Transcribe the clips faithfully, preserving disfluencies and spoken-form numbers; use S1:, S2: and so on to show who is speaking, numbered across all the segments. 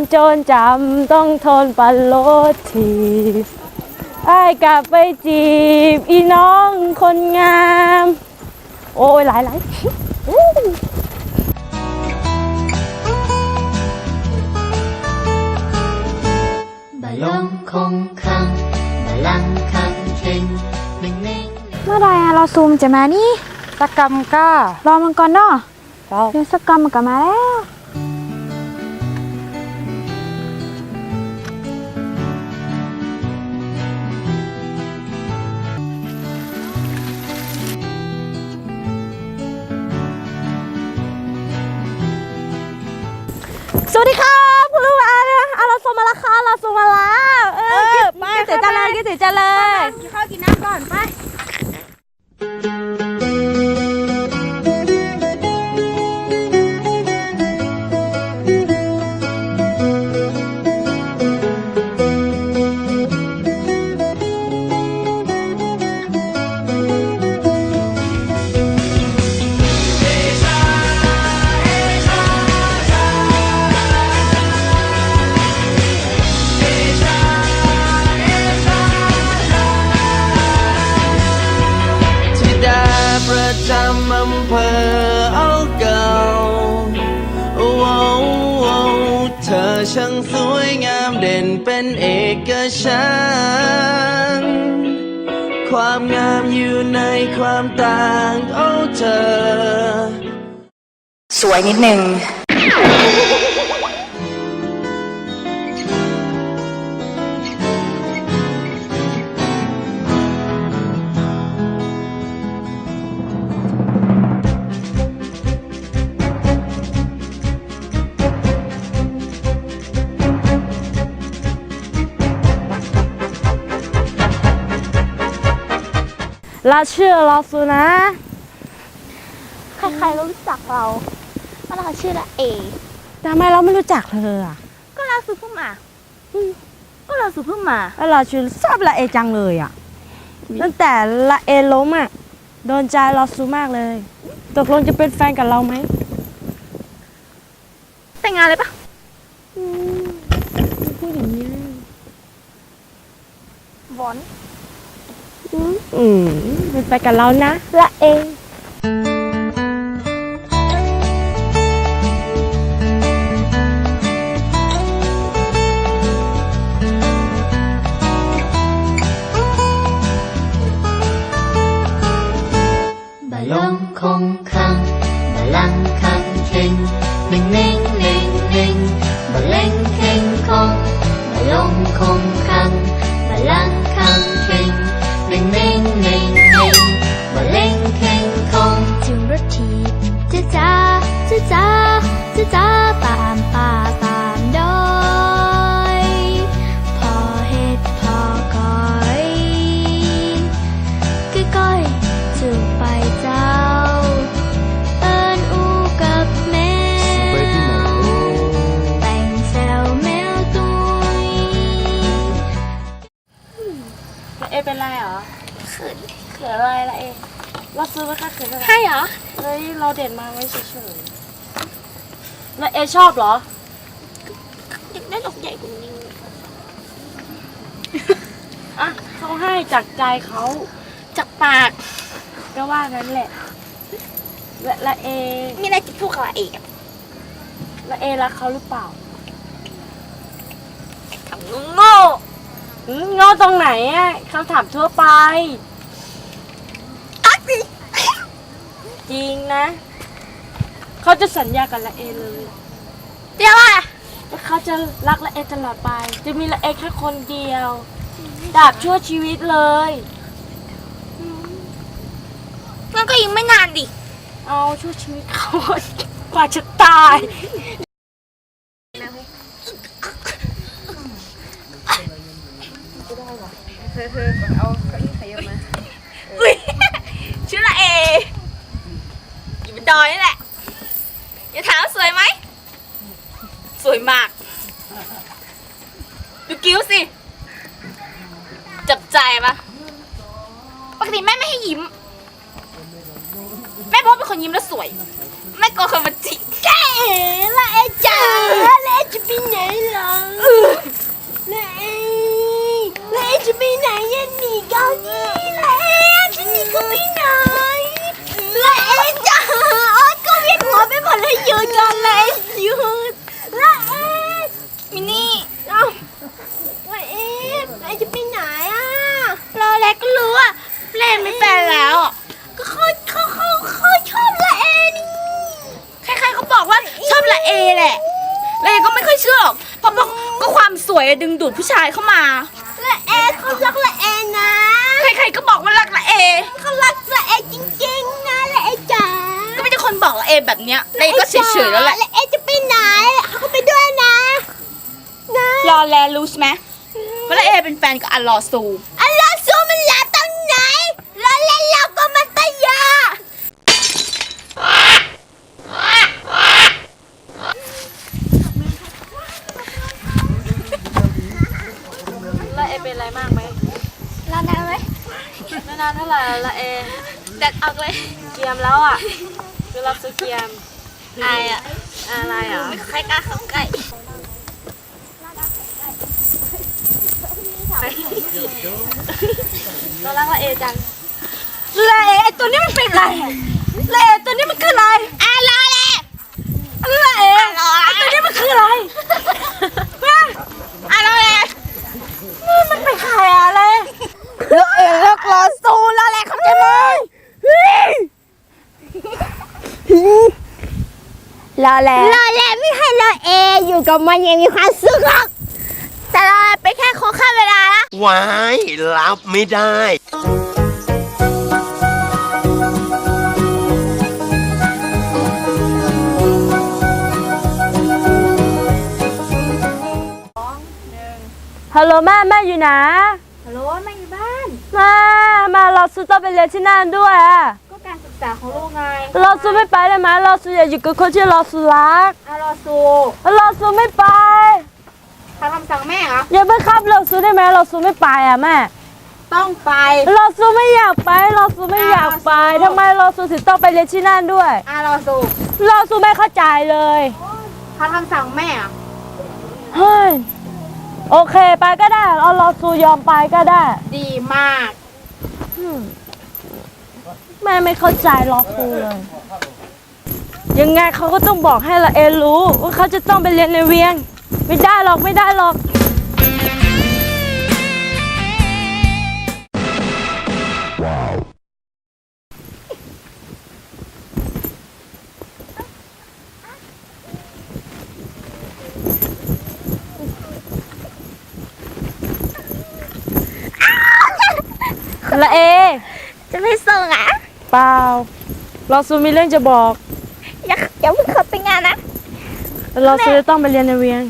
S1: โจรจำต้องทนปันรถทีไอ้กลับไปจีบอีน้องคนงามโอ้ยหลายหลาย
S2: บาลงคงคังบาลังคังเข่งหนึ่งเน่ง
S3: เมื่อไรอะเราซูมจะมานี่สักกรรมก็รอมันก่อนเนาะเดี๋ยวสักกรรมมันก็มาแล้ว
S1: สวัสดีครับคุณลูกอาเนี่ยอาเราส่งมาแล้วค่ะเราส่งมาแล้วเออไปเสียจังเลยกินเสียจังเลยกินข้าวกินน้ำก่อนไป
S4: ประจำอำเภอเอาเก่าโอ้โอ้เธอช่างสวยงามเด่นเป็นเอกฉันท์ความงามอยู่ในความต่างโอ้เธอ
S3: สวยนิดนึง
S1: เราชื่อเราสุนะ
S3: ใครๆก็รู้จักเราเพราะเราชื่อละเอ
S1: ทำไมเราไม่รู้จักเธออ่ะ
S3: ก็เราซื้อเพิ่งมาก็เราซื้อเพิ่งมา
S1: แล้วเราชื่อชอบละเอจังเลยอ่ะตั้งแต่ละเอล้มอ่ะโดนใจเราสูมากเลยตกลงจะเป็นแฟนกับเราไหม
S3: แต่งงานเลยปะ
S1: พูดอย่างนี้
S3: บอน
S1: อืมเป็นไปกับเรานะละเอง
S2: บาลงคงคังบาลังคังเข่งหนึ่งเน่งเน่งเน่งบาเล่งเข่งคงบาลงคงคังบาลังคังเข่งหนึ่งเน่งเน่งเน่งบาเล่งเข่งคงถึงรถทีจ้าจ้าจ้าจ้าจ้าจ้าตามป่าตามดอยพอเฮ็ดพอก้อยก้อยจูบไปเจ้าเอิญอูกับแม่แต่งแซวแมวตุย
S1: ละเอเป็นไรเหรอ
S3: เขิน
S1: เขินอะไรละเอเราซื้อไว้ค่ะเขินอะไร
S3: ใช่เหรอ
S1: เฮ้ยเราเด็ดมาไว้เฉยๆละเอชอบเหรอ
S3: อยากได้ดอกใหญ่กว่านี้
S1: อ่ะเขาให้จากใจเขา
S3: จากปาก
S1: ก็ว่านั้นแหละละละเอ
S3: มีอะไรจะพูดกับเอก
S1: ละเอรักเขาหรือเปล่า
S3: ถามโง่
S1: โง่ตรงไหนอ่ะคำถามทั่วไปจริงนะเขาจะสัญญากับละเอเลย
S3: เดี๋ยวอ่ะ
S1: ว่าเขาจะรักละเอตลอดไปจะมีละเอแค่คนเดียวดาบชั่วชีวิตเลย
S3: งั้นก็ยังไม่นานดิ
S1: เอาชั่วชีวิตเขากว่าจะตาย
S3: เธอเธอเอาเก้าอี้ขยับมาอุ้ยชื่อละเออยู่บนดอยนี่แหละอย่าถามสวยไหมสวยมากดูกิ้วสิจับใจปะปกติแม่ไม่ให้ยิ้มแม่บอกเป็นคนยิ้มแล้วสวยแม่กลัวคนมาจิกแก่ละเอจ๋าละเอ
S2: จะไปไหนเหรอละเอละเอจะไปไหนยันหนีเกาหลีละเอจะหนีก็ไปไหนละเอจ้าโอ๊ยก็เวียนหัวไปหมดเลยหยุดก่อนเลยหยุดละเอมินี่เอ้าละเอละเอจะไปไหนอ่ะรอแล้วก็รู้อ่ะเล่นไม่เป็นแล้วก็เขาเขาเขาเขาชอบละเอนี่ใครๆเขาบอกว่าชอบละเอแหละละเอก็ไม่ค่อยเชื่อหรอกเพราะบอกก็ความสวยดึงดูดผู้ชายเข้ามาละเอเขารักละเอนะใครๆก็บอกว่ารักละเอเขารักละเอจริงๆนะละเอจ๋าก็ไม่ใช่คนบอกละเอแบบเนี้ยละเอก็เฉยๆแล้วแหละละเอจะไปไหนเขาก็ไปด้วยนะนะรอแลรู้ใช่ไหมว่าละเอเป็นแฟนกับอัลลอซูอัลลอซูมันลาตรงไหนรอแลเราก็มันตายา
S1: ละเอเป็นอะไรมากไหม
S3: รอนานไหม
S1: ไม่นานเท่าไหร่ละเอ
S3: แดัดออกเลย
S1: เกียมแล้วอ่ะคือรับซื้อเกียม
S3: อายอ่ะ
S1: อะไรอ่ะ
S3: ไม่ใครกล้าเข้าใกล้
S1: เรารักละเอจัง
S3: ละเอไอตัวนี้มันเป็นอะไรละเอตัวนี้มันคืออะไรอ่ะรอเลยละเอไอตัวนี้มันคืออะไรอ่ะรอเลยนี่มันเป็นใครอะไรละเอเลิกรอซูรอเลยเข้าใจไหมรอแล้วรอแล้วไม่ให้รอเออยู่กับมันยังมีความสุขหรอกแต่รอไปแค่ขอค่าเวลาละ
S5: วายรับไม่ได้
S1: ฮัลโหลแม่แม่อยู่ไหน
S3: ฮัลโหลแม่อยู่บ้าน
S1: แม่มาเราซูต้องไปเรียนที่นั่นด้วยอ่ะ
S3: ก็การศึกษาของลูกไง
S1: เราซูไม่ไปได้ไหมเราซูอยากอยู่กับคนที่เราซูรัก
S3: อารอซู
S1: เราซูไม่ไป
S3: ทำคำสั่งแม่เหรอ
S1: อย่าไปขับเราซูได้ไหมเราซูไม่ไปอ่ะแม่
S3: ต้องไป
S1: เราซูไม่อยากไปเราซูไม่อยากไปทำไมเราซูถึงต้องไปเรียนที่นั่นด้วย
S3: อารอซู
S1: เราซูไม่เข้าใจเลย
S3: ทำคำสั่งแม่เหรอ
S1: เฮ้ยโอเคไปก็ได้เราเราซูยอมไปก็ได้
S3: ดีมาก
S1: อืมแม่ไม่เข้าใจเราซูเลย ยังไงเขาก็ต้องบอกให้ละเอรู้ว่าเขาจะต้องไปเรียนในเวียง ไม่ได้หรอกไม่ได้หรอกละเอ
S3: จะไปส่งอ่ะ
S1: เปล่าเราซูมีเรื่องจะบอก
S3: อย่าอย่าเพิ่งขับไปงานนะ
S1: เราซูจะต้องไปเรียนในเวียง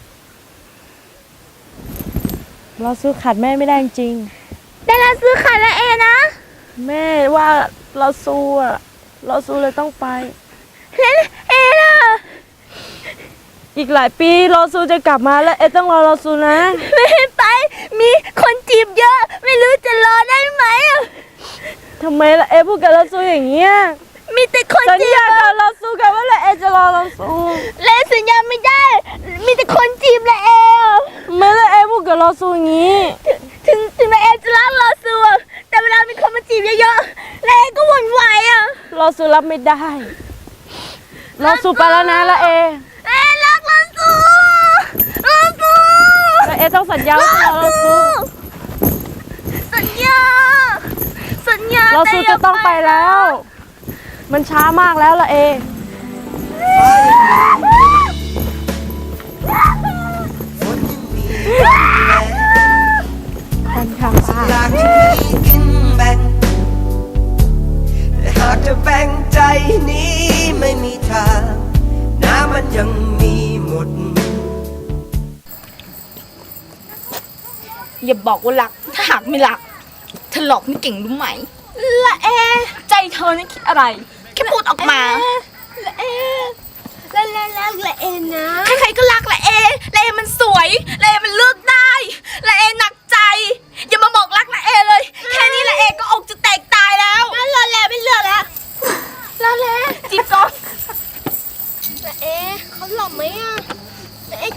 S1: เราซูขาดแม่ไม่ได้จริง
S3: แต่เราซื้อขาดละเอนะ
S1: แม่ว่าเราซูอะเราซูเลยต้องไป
S3: แล้วเอล่ะ
S1: อีกหลายปีเราซูจะกลับมาแล้วเอต้องรอเราซูนะ
S3: ไม่ไป มีคนจีบเยอะ ไม่รู้จะรอได้ไหมอะ
S1: ทำไมล่ะเอพูดกับเราซูอย่างเงี้ย
S3: มีแต่คน
S1: สัญ
S3: จีบ
S1: ญากับเราซูกันว่าละเอจะรอเราซู
S3: และสัญญาไม่ได้ มีแต่คนจีบละเออะ
S1: ไม่ละเอพูดกับเราซูอย่างงี้
S3: ถึงถึงละเอจะรักเราสูอะแต่เวลามีคนมาจีบเยอะๆละเอก็หวั่นไหวอะ
S1: เราซูรับไม่ได้ เราซูไปแล้วนะละเอ
S3: เอรักเราสูเราสู
S1: ละเอต้องสัญญาว่าจะรอเราซู
S3: สัญญา สัญญา
S1: เราซูจะต้องไปแล้ว มันช้ามากแล้วละเอกันค่ะป้า
S4: อยากจะมีกินแบ่งแต่หากจะแบ่งใจนี้ไม่มีทาง น้ำมันยังมีหมด
S3: อย่าบอกว่ารัก ถ้าหากไม่รักเธอหลอกไม่เก่งรู้ไหมละเอใจเธอนี่คิดอะไร แค่พูดออกมาละเอละละละละเอนะใครๆก็รักละเอละเอมันสวยละเอมันเลือกได้ละเอหนักใจ อย่ามาบอกรักละเอเลย แค่นี้ละเอก็อกจะแตกตายแล้วงั้นละแลไม่เลือกแล้วละแลจีบก่อนละเอเขาหล่อไหมอะละเอ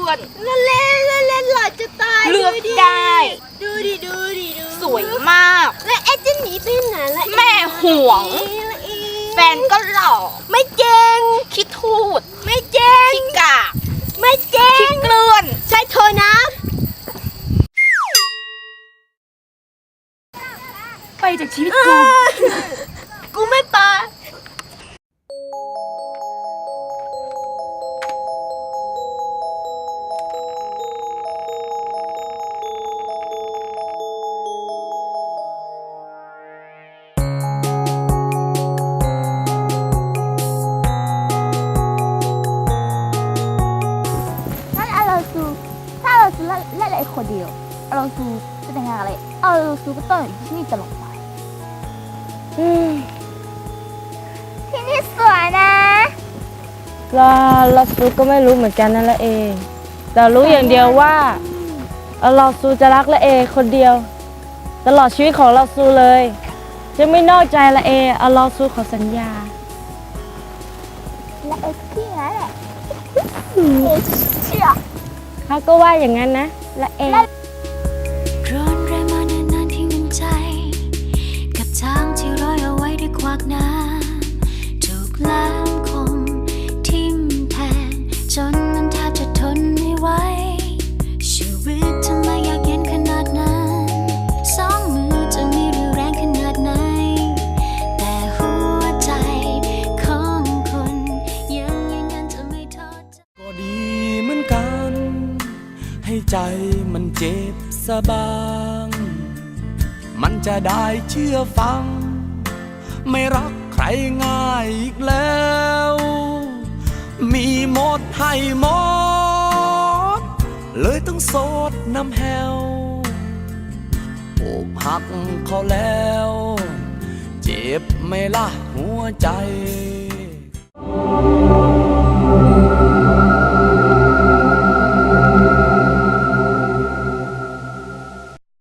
S3: ล้วน
S1: ละเล่นละเล่นหล่อจะตาย
S3: เลือกได้
S1: ดูดิดูดิดู
S3: สวยมาก
S1: และไอ้จะหนีไปไหนละ
S3: แม่ห่วง
S1: ละอี
S3: แฟนก็หล่อ
S1: ไม่เจ๋ง
S3: คิดทูด
S1: ไม่เจ๋ง
S3: ขี้กาก
S1: ไม่เจ๋ง
S3: ขี้เกลื่อน
S1: ใช่โทรน้
S3: ไปจากชีวิต
S1: ำ
S3: กู
S1: กูไม่ไป
S6: นั่นอาราซูถ้าอาราซูและและไอ้คนเดียวอาราซูจะแต่งงานอะไรอาราซูก็ต้องอยู่ที่นี่ตลอดไปที่นี่สวยนะ
S1: เราเราซูก็ไม่รู้เหมือนกันนั่นแหละเองแต่รู้อย่างเดียวว่าเราซูจะรักละเอคนเดียว ตลอดชีวิตของเราซูเลย จะไม่นอกใจละเอเอาเราซูขอสัญญา
S6: และไอ้ที่นั้นแหละเอเชี่ย
S1: เขาก็ว่าอย่างนั้นนะละเอ
S2: ร้อนแรงมานานๆที่หนึ่งใจ กับทางที่ร้อยเอาไว้ด้วยควักน้ำถูกแหลมคมทิ่มแทงจนมันแทบจะทนไม่ไหวชีวิตทำไมอยากเย็นขนาดนั้นสองมือจะมีเรี่ยวแรงขนาดไหนแต่หัวใจของคนยังอย่างนั้นจะไม่ทอดใจ
S4: ก็ดีเหมือนกัน ให้ใจมันเจ็บสะบาง มันจะได้เชื่อฟัง ไม่รักใครง่ายอีกแล้ว มีหมดให้หมด เลยต้องโสดน้ำแหวอกหักเขาแล้ว เจ็บไหม่ล่ะหัวใจ